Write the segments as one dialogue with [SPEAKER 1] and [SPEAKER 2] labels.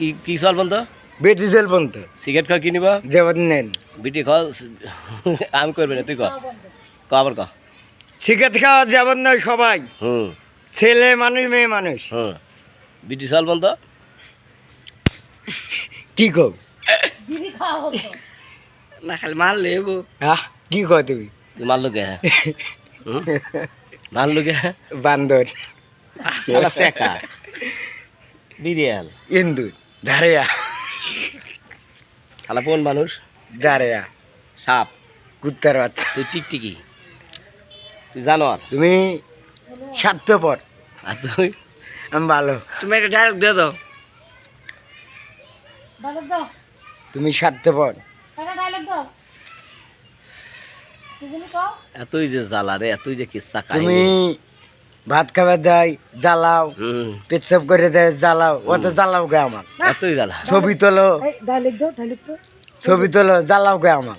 [SPEAKER 1] কি কি চল বন্ধ
[SPEAKER 2] বেটি সেল বন্ধ
[SPEAKER 1] সিগারেট খাও কি নিবা
[SPEAKER 2] যাবত নেন
[SPEAKER 1] বিটি খাও আমি করবি না তুই ক আবার ক
[SPEAKER 2] সিগারেট খাওয়া যাবত নয় সবাই
[SPEAKER 1] হুম
[SPEAKER 2] ছেলে মানুষ মেয়ে মানুষ
[SPEAKER 1] হুম বিটি চল বন্ধ
[SPEAKER 2] কি কও
[SPEAKER 3] না খালি মাল লেবো
[SPEAKER 2] কি কও তুমি
[SPEAKER 1] তুই মারলো কে মারলো কে
[SPEAKER 2] বান্দর
[SPEAKER 1] সেকা বিরিয়াল
[SPEAKER 2] ইন্দু ধারেয়া
[SPEAKER 1] খালা কোন মানুষ
[SPEAKER 2] ধারেয়া
[SPEAKER 1] সাপ
[SPEAKER 2] কুত্তার বাচ্চা
[SPEAKER 1] তুই টিকটিকি তুই জানোয়ার
[SPEAKER 2] তুমি স্বার্থপর
[SPEAKER 1] আর তুই
[SPEAKER 2] আমি ভালো
[SPEAKER 3] তুমি একটা ডায়লগ দিয়ে দাও
[SPEAKER 2] তুমি স্বার্থপর
[SPEAKER 1] এতই যে জ্বালা রে এতই যে কিচ্ছা
[SPEAKER 2] তুমি ভাত খাবার দেয় জ্বালাও
[SPEAKER 1] হুম
[SPEAKER 2] পেচ্ছাপ করে দেয় জ্বালাও অত জ্বালাও গে আমার
[SPEAKER 1] এতই জ্বালা
[SPEAKER 2] ছবি তোলো ছবি তোলো জ্বালাও গে আমার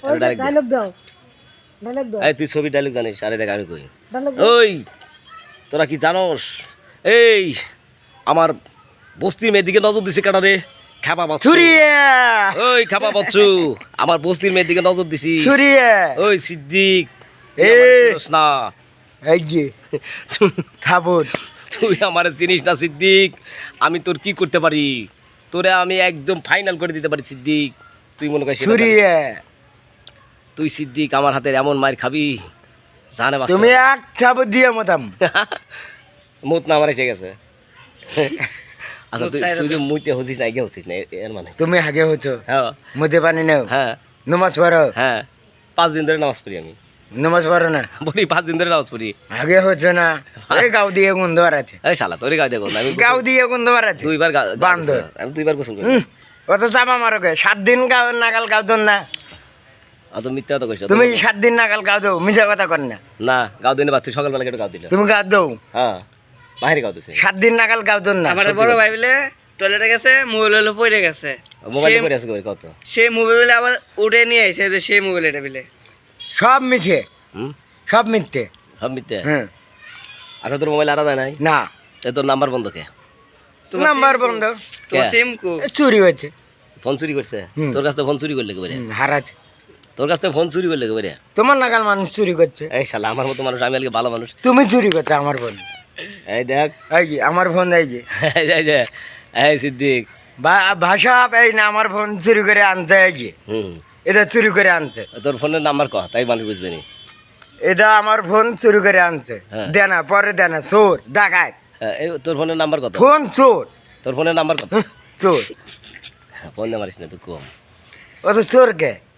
[SPEAKER 1] এই তুই ছবি ডায়লগ জানিস আরে দেখ আমি কই ওই তোরা কি জানোস এই আমার বস্তির মেয়ের দিকে নজর দিছে কাটা রে খাবা বাচ্চু
[SPEAKER 2] ছুরিয়ে
[SPEAKER 1] ওই খাবা বাচ্চু আমার বস্তির মেয়ের দিকে নজর দিছি
[SPEAKER 2] ছুরিয়ে
[SPEAKER 1] ওই সিদ্দিক তুই
[SPEAKER 2] এই।
[SPEAKER 1] আমারে চিনিস না
[SPEAKER 2] এই যে থাবুর
[SPEAKER 1] তুই আমার চিনিস না সিদ্দিক আমি তোর কি করতে পারি তোরে আমি একদম ফাইনাল করে দিতে পারি সিদ্দিক তুই মনে করিস সেটা জানিস?
[SPEAKER 2] ছুরিয়ে
[SPEAKER 1] তুই সিদ্দিক আমার হাতের এমন মায়ের খাবি জানে বাস্তব।
[SPEAKER 2] তুমি এক থাবুর দিয়ে মতাম
[SPEAKER 1] মুত না আমার এসে গেছে আচ্ছা তুই যে মুইতে হচ্ছিস না এগিয়ে হচ্ছিস না এর মানে
[SPEAKER 2] তুমি আগে হচ্ছো
[SPEAKER 1] হ্যাঁ
[SPEAKER 2] মধ্যে পানি নেও
[SPEAKER 1] হ্যাঁ
[SPEAKER 2] নমাজ পড়ো
[SPEAKER 1] হ্যাঁ 5 দিন ধরে নামাজ পড়ি আমি
[SPEAKER 2] নমাজ পড়ো না
[SPEAKER 1] বলি 5 দিন ধরে নামাজ পড়ি
[SPEAKER 2] আগে হচ্ছে না এই গাও দিয়ে গন্ধবার আছে
[SPEAKER 1] এই শালা তোরই গায়ে দেখো আমি
[SPEAKER 2] গাও দিয়ে গন্ধবার আছে
[SPEAKER 1] দুইবার
[SPEAKER 2] বান্দর।
[SPEAKER 1] আমি দুইবার গোসল করি
[SPEAKER 2] অত চাপা মারো গে 7 দিন গাও নাগাল গাও দন না
[SPEAKER 1] অত মিথ্যা কথা কইছ
[SPEAKER 2] তুমি 7 দিন নাগাল গাও দাও মিছা কথা কর না
[SPEAKER 1] না গাও দিনে বা তুই সকালবেলা কেটে গাও দিল
[SPEAKER 2] তুমি গাও দাও
[SPEAKER 1] হ্যাঁ বাইরে গাও দিছে
[SPEAKER 2] 7 দিন নাগাল গাও দন না
[SPEAKER 3] আমার বড় ভাই বলে টয়লেটে গেছে মোবাইল হলো পড়ে গেছে
[SPEAKER 1] মোবাইল করে আছে কত
[SPEAKER 3] সে মোবাইল বলে আবার উঠে নিয়ে আইছে যে সেই মোবাইল এটা বলে
[SPEAKER 2] সব মিছে
[SPEAKER 1] হুম
[SPEAKER 2] সব মিথ্যে
[SPEAKER 1] সব মিথ্যা
[SPEAKER 2] হ্যাঁ
[SPEAKER 1] আচ্ছা তোর মোবাইল আলাদা নাই
[SPEAKER 2] না
[SPEAKER 1] এ তোর নাম্বার বন্ধ কে
[SPEAKER 2] নাম্বার বন্ধ
[SPEAKER 3] তোমার সিম কো
[SPEAKER 2] চুরি হয়েছে
[SPEAKER 1] ফোন চুরি করছে
[SPEAKER 2] হুম।
[SPEAKER 1] তোর কাছ থেকে ফোন চুরি করলে কেবারে
[SPEAKER 2] হারাচ্ছে
[SPEAKER 1] তোর কাছ থেকে ফোন চুরি করলে কেবারে
[SPEAKER 2] তোমার নাগাল মানুষ চুরি করছে
[SPEAKER 1] এই শালা আমার মতো মানুষ আমি আজকে ভালো মানুষ
[SPEAKER 2] তুমি চুরি করছো আমার ফোন
[SPEAKER 1] এই দেখ
[SPEAKER 2] এই যে আমার ফোন এই যে
[SPEAKER 1] এই যে, এই যে এই সিদ্দিক
[SPEAKER 2] ভাষা এই না আমার ফোন চুরি করে আনছে এই যে
[SPEAKER 1] হুম
[SPEAKER 2] এটা চুরি করে আনছে
[SPEAKER 1] তোর ফোনের নাম্বার কহ তাই মানুষ বুঝবে নি
[SPEAKER 2] এটা আমার ফোন চুরি করে আনছে
[SPEAKER 1] হ্যাঁ।
[SPEAKER 2] দেনা পরে দেনা চোর ডাকায়
[SPEAKER 1] হ্যাঁ, এই তোর ফোনের নাম্বার কত
[SPEAKER 2] ফোন চোর
[SPEAKER 1] তোর ফোনের নাম্বার কত
[SPEAKER 2] চোর
[SPEAKER 1] ফোন নাম্বার না তুই কম
[SPEAKER 2] ও তো চোর কে